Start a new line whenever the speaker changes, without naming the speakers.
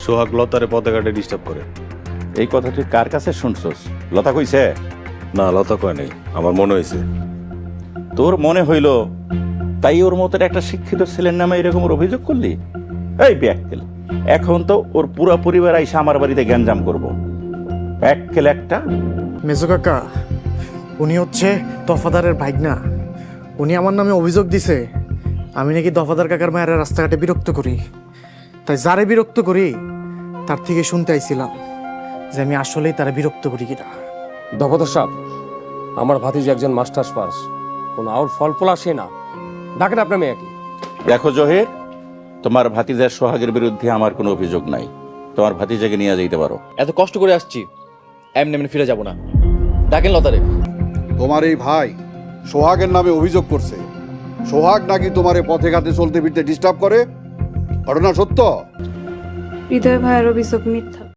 সোহাগ লতারে পথে ঘাটে ডিস্টার্ব করে।
এই কথা তুই কার কাছে শুনছস? লতা কইছে?
না, লতা কয় নাই, আমার মনে হয়েছে।
তোর মনে হইল তাই ওর মতো একটা শিক্ষিত ছেলের নামে এরকম অভিযোগ করলি? এই ব্যাককেল, এখন তো ওর পুরো পরিবার আইসা আমার বাড়িতে গ্যাঞ্জাম করবো। ব্যাককেল একটা।
মেজো কাকা, উনি হচ্ছে দফাদারের ভাইগনা। উনি আমার নামে অভিযোগ দিছে আমি নাকি দফাদার কাকার মায়ের রাস্তাঘাটে বিরক্ত করি। তাই যারে বিরক্ত করি তার থেকে শুনতে আইছিলাম যে আমি আসলেই তারা বিরক্ত করি কিনা।
দফাদার সাহেব, আমার ভাতিজি একজন মাস্টার্স পাস, কোনো আউট ফল ফলা সে না। ডাকেন আপনার মেয়েকে।
দেখো জহির, তোমার ভাতিজার সোহাগের বিরুদ্ধে আমার কোনো অভিযোগ নাই। তোমার ভাতিজাকে নিয়ে যাইতে পারো।
এত কষ্ট করে আসছি, এমনি এমনি ফিরে যাব না। ডাকেন লতারে।
তোমার এই ভাই সোহাগের নামে অভিযোগ করছে। সোহাগ নাকি তোমার এই পথে ঘাটে চলতে ফিরতে ডিস্টার্ব করে। ঘটনা সত্য?
হৃদয় ভাইয়ের অভিযোগ মিথ্যা।